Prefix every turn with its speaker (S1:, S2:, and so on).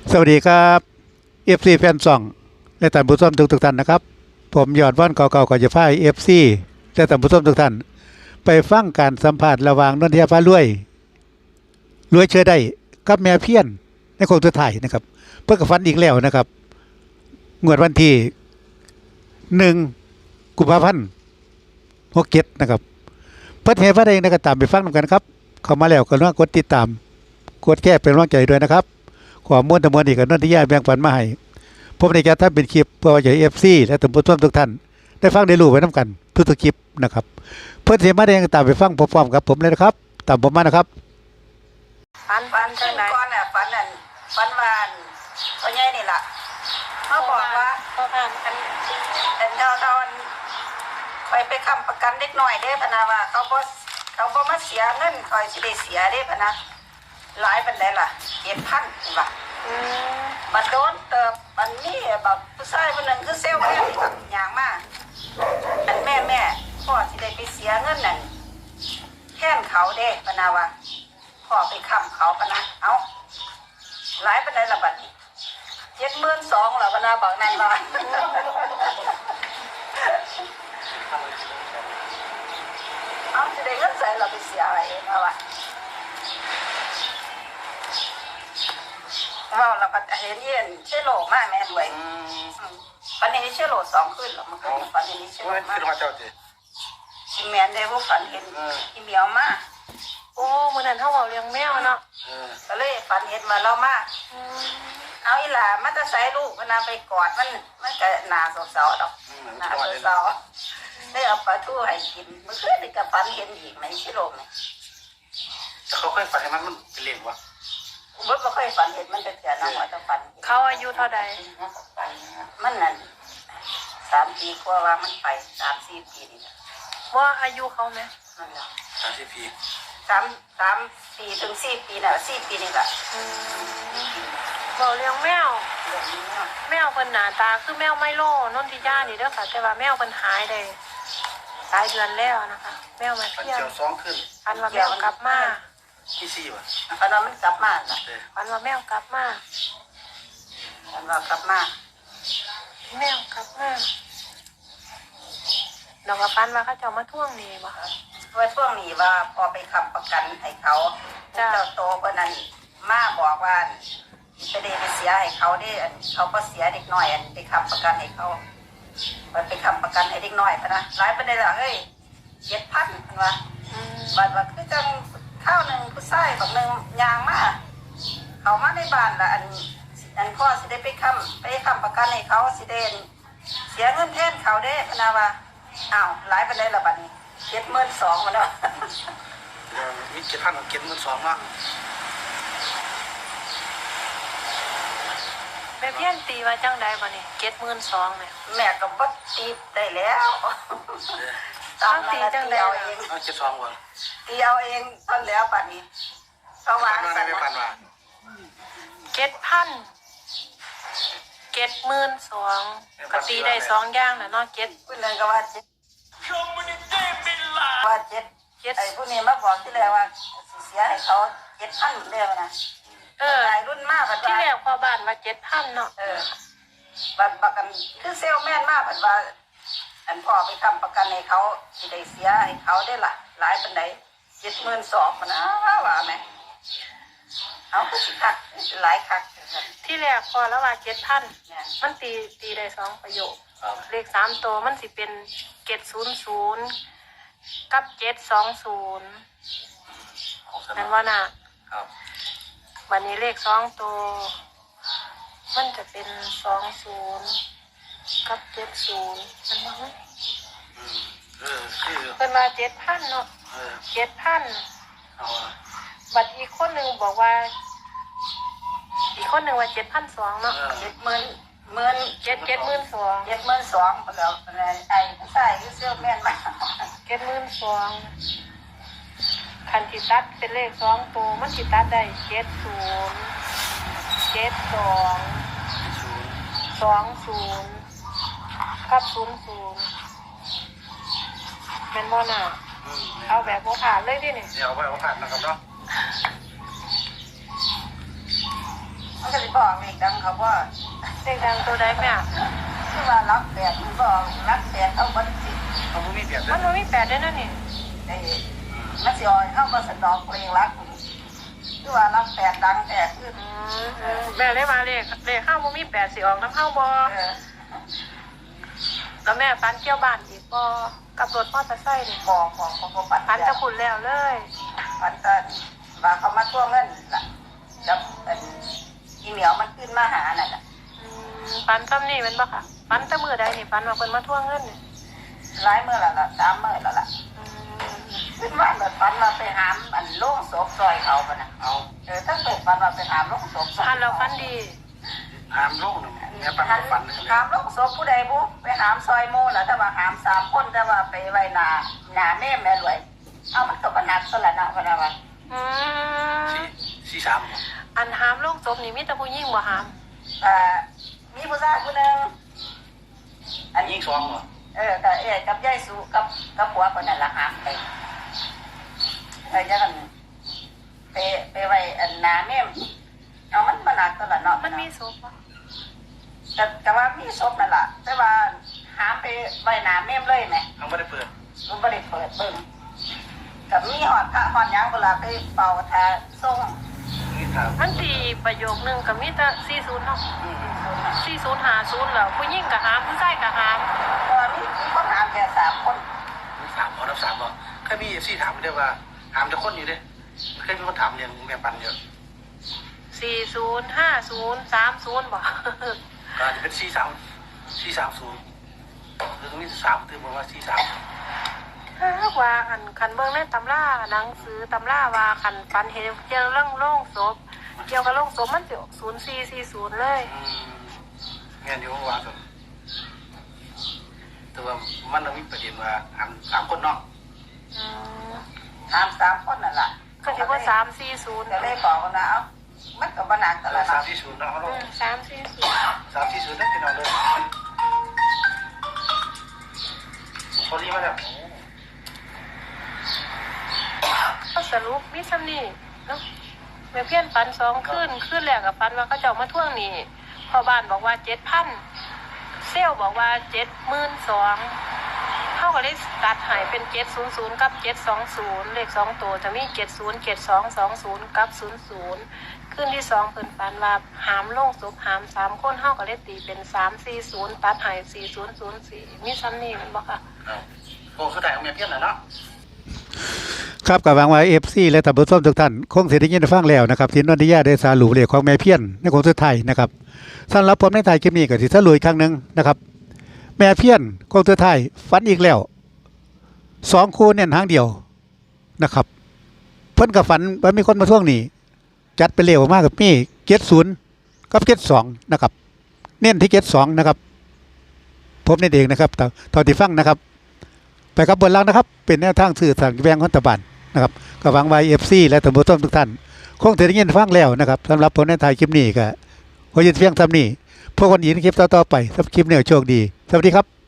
S1: สวัสดีครับเอฟซีแฟนซองและท่านผู้ชมทุกท่านนะครับผมยอดว่านเก่าๆก่อนจะพายเอฟซีและท่านผู้ชมทุกท่านไปฟังการสัมภาษณ์ระหว่างนนทยาฟ้ารวยเชื่อได้กับแม่เพี้ยนในโค้งสุดท้ายนะครับเพื่อกฟันอีกแล้วนะครับงวดวันที่1 กุมภาพันธ์67นะครับเพื่อให้พระเองนะครับตามไปฟังกันครับเข้ามาแล้วก็ต้องกดติดตามกดแก้เป็นกำลังใจด้วยนะครับข้อมูลทั้งหมดนี้ก็นนทยาแบ่งปันมาให้ผมในการทำเป็นคลิปเพื่อว่าจะเอฟซีและท่านผู้ชมทุกท่านได้ฟังได้รู้ไว้น้ำกันทุกคลิปนะครับเพื่อนเสียมาแดงตามไปฟังพร้อมๆกับผมเลยนะครับตามผมมานะครับ
S2: ฟันจังไหนก่อนน่ะฟันนั่นฟันวานพ่อใหญ่นี่ล่ะเขาบอกว่าพ่อผ่านกันเราไปค้ำประกันเล็กน้อยเด้พะนะว่าเขาบ่มาเสียเงินคอยสิได้เสียเด้พะนะหลายปานใดล่ะ7,000บาทมันโดนเติบมันนี่แบบผู้ชายคนนึงคือเซลล์แม่นี่ครับอย่างมากอันแม่พ่อสิได้ไปเสียเงินนั่นแทนเขาเด้พะนะว่าพ่อไปค้ำเขาพะนะเอาหลายปานใดล่ะบัดนี้72,000ล่ะพะนะบอกนั่นว่าเอาสิได้เงินใส่เราไปเสียอะไรเองเอาวะว่าเราก็เห็นเย็นเชื่อโลมากแม่ด้วยวันนี้เชื่อโล2ขึ้นหรอมันก็วันนี้เชื่อโลมากชิแมนได้พวกฝันเห็นอีเมียวมาก
S3: โอ้เมื่อนั้นเขาบอกเลี้ยงแมวเนาะ
S2: ก็เลยฝันเห็นมาเรามากเอาอีหล่ามันจะใส่ลูกมันไปกอดมันก็หนาสาวๆดอกหนาสาวได้เอาปลาทูให้กินมันเคยได้กับฝันเห็นอีกไหมชิโลมเนี่ย
S4: เขาเคยฝันให้มันเป็นเลี้ยงวะ
S2: บ่เคยฝันเห็นมันจะเสียน้องหัวจะฝัน
S3: เขาอายุเท่าใด
S2: มันนั่น3 ปีกว่าว่ามันไป3-4 ปีนี่
S3: ว่าอายุเขาไหม
S2: นั่นแหละ
S4: 30 ปี
S2: 3 ปีถึง4 ปีน่ะ4 ปีนี่แหละ
S3: บอกเลี้ยงแมว
S2: เรื่องนี้
S3: แมวเป็นหน้าตาคือแมวไมโลนนทิยานี่เด้อค่ะแต่ว่าแมวเป็นหายได้หลายเดือนแล้วนะคะแมวมาเที่ยว
S4: 2ขึ้น
S3: อันว่าแมวกลับมา
S4: ที่4วะ
S2: อันว่ามันกลับมาล่ะ
S3: อันว่าแมวกลับมา
S2: อันว่ากลับมา
S3: แมวกลับมาเราก็ปันว่าเขาจะมาท่วงนี่บ่
S2: ว่าช่วงนี้ว่าพอไปค้ำประกันให้เขาเจ้าโตกว่านั้นมาบอกว่าไปได้ไปเสียให้เขาได้เขาก็เสียเด็กน้อยไปค้ำประกันให้เขาไปค้ำประกันให้เด็กน้อยพะนะหลายประเด็นละเฮ้ย7,000พันว่าบัดว่าคือจังข้าวหนึ่งผู้ชายแบบหนึ่งยางมาเขามาในบ้านละอันพ่อสิได้ไปค้ำประกันให้เขาสิเดนเสียเงินแทนเขาได้พะนะว่าอ้าวหลายประเด็นละบัดนี้72,000มาแล้ว
S4: มี7,000กับ72,000มา
S3: แม่เพี้ยนตีมาจังใดบ่นี่72,000เนี่ย
S2: แม่ก็บ่ตีได้แล้ว
S3: ตั้งตีจังใด
S2: เอง
S4: 72,000วะ
S2: ตีเอาเองตอนแล้วบัดนี้เขาวาง
S4: สั่นนะ
S3: 72,000ก็ตีได้2อย่างน่ะเนาะ7
S2: ผู้นึงก็ว่า7ไอ้ผู้นี้มาบอกที่แล้วว่าเสียให้เขา7,000เด้อนะไอ้รุ่นมาก
S3: ที่แรกพอบ้านว่า7,000เนาะ
S2: บัดกันคือเซลแม่นมากเพิ่นว่าอันพ่อไปค้ำประกันให้เขาสิได้เสียให้เขาได้ล่ะหลายปานใด72,000มันนะว่าแม่เอาก็สิคักหลายคัก
S3: ที่แรกพอแล้วว่า7,000มันตีได้2ประโยคเลข3ตัวมันสิเป็น700กับ720นั่นว่าน่ะวันนี้เลข2ตัวมันจะเป็น20กับ70มันบ่เป็นว่า7,000เนาะ7,000บัดอีกคนนึงบอกว่าอีกคนนึงว่า7,200เนาะ72,000แล้วไอ้ผู้ชายคือเสื้อแม่นมาก72,000คันที่ตัดเป็นเลข2ตัวมันสิตัดได้70 72 20กับ00แม่นบ่น่ะเอาแบบบ่ผ่านเลยดินี่
S4: เอาไว้เอาผ่านนะครับเนาะ
S2: มันก็สิบอกเลขดังเขาว่า
S3: เลขดังตัวใดแม่
S2: คือว่ารักแปดมันบอกรักแปดเอาบันสิ
S4: เขาไม่มีเปลี่ยนเล
S3: มั
S4: ย
S3: นบ่มีแปดด้วยนะนี่
S2: ไอ้มันสิอ่อยเข้ามาสนองเพลงรักคือว่ารักแปดดังแปดขึ้น
S3: แม่เลยมาเลขข้าวบ่มีแปดสิออกน้ำข้าวบ่แล้วแม่ฟันเกี่ยวบ้านอีกบ่กับรถมอเตอร์ไซค์นี่
S2: บอกปัด
S3: ฟันจะขุนแล้วเลย
S2: ปัดกันว่าเขามาทวงเงินล่ะจับอีเหนียวมันขึ้นมาหานั่นแหละ
S3: ฟันซ้ำนี่เป็นบ่ค่ะฟันแตะมือใดนี่ฟันว่าเพิ่นมาทวงเงินนี่
S2: ร้ายเมื่อละ3 มื้อแล้วล่ะขึ้นมาแบบปันมาไปหามอันโล่งศพซอยเขาปะนะ
S4: เอา
S2: ตั้งแต่ปันมาไปหามโล่งศพ
S3: ฟันแล้วฟันดี
S4: หามโลกหนึ่งแม่ปันก็ฟันเลย
S2: หามโล่งศพผู้ใดบุไปหามซอยโม่แล้วแต่ว่าหาม3 คนแต่ว่าไปไว้หน้าแม่แม่รวยเอามันก็บรรนักสละนะพะนะว่า
S4: สี่สาม
S3: อันหามโลงศพนี่มีแต่ผู้หญิงบ่หาม
S2: มีผู้ชายผู้หนึ่งอัน
S4: ยิ
S2: นี้
S4: งสองเหรอ
S2: กับยายสุกับผัวคนนั้นละหามไปจะกันไปไว้อันนาแม่เอามันบรรนักสละเนาะ
S3: มันมีศพบ่
S2: แต่ว่ามีศพนั่นแหละแต่ว่าหามไปไว้นาแม่เลยไหม
S4: เขาไม่ได้เปิด
S2: มันไม่ได้เปิดเบิ่งกับมีหอดพระหอดยังเวลาไปเป่าทาส่ง
S4: นี่ถาม
S3: มันดีประโยคนึงก็มีแต่40เนาะ4050แล้วผู้หญิงก็หามผู้ชายก็หาม
S2: ตอนนี้ก็หามแค่3 คน
S4: สามพอรับสามพอแค่มีเอฟซีถามได้ว่าถามจะคนอยู่เนี่ยเคยมีคนถามเรื่องแม่ปันเยอะ
S3: 405030บ่
S4: ก็อาจจะเป็น430หรือตรงนี้3ตื่นมาว่า43
S3: ว่าคันเบิ่งในตำราหนังสือตำราว่าคันฟันเห็นเกี่ยวเรื่องโล่งศพเกี่ยวกับโล่งศพมันสิ0440เลย
S4: งานอยู่ว่ากันแต่ว่ามันต้องมีประเด็นว่าถามคนเนาะ
S2: หาม3 คนนั่นแหละ
S3: ก็สิว่า340
S2: ก็เลยบอกกันนะเอามันก็บรรนักสละ
S4: สา
S2: เนาะ
S4: มที่ศูนย์เนาะเขาลง
S3: 340
S4: 340ได้กี่นอนเลยพอดีมาแล้ว
S3: ก็สรุปมีซ้ำนี่เนาะแม่เพี้ยนปัน2คืนแรกกับปันว่าเขาเจ้ามาทวงหนี้พ่อบ้านบอกว่า 7,000 เซลบอกว่า 72,000เฮาก็เลยตัดให้เป็น700กับ720เลข2ตัวจะมี70 7220กับ00คืนที่2เพิ่นปันว่าหามโลงศพหาม3คนเฮาก็เลยตีเป็น340ตัดให้4004มีซ้ำนี่แม่นบ่ค่ะ
S4: โอ้สุดท้ายของแม่เพี้ยนเนาะ
S1: ครับกับหวังว่าFC และท่านผู้ชมทุกท่านคงสิได้ยินได้ฟังแล้วนะครับที่นนทิยาได้สรุปเลขของแม่เพี้ยนในโค้งสุดท้ายนะครับสำหรับผมในท้ายคลิปนี้ก็สิสรุปอีกครั้งหนึงนะครับแม่เพี้ยนโค้งสุดท้ายฝันอีกแล้ว2คู่เน้นหางเดียวนะครับเพิ่นก็ฝันว่ามีคนมาทวงหนี้จัดไปเร็วมากกับมี70กับ72นะครับเน้นที่72นะครับผมนี่เองนะครับตอนที่ฟังนะครับไปกับบนล่างนะครับเป็นแนวทางสื่อสารแบงค์รัฐบาลนะครับก็หวังไว้ FC และท่านผู้ชมทุกท่านคงจะได้ยินฟังแล้วนะครับสำหรับผลในถ่ายคลิปนี้ก็ขอยืนเพียงเท่านี้พวกคนหญิงคลิปต่อๆไปสำหรับคลิปนี้โชคดีสวัสดีครับ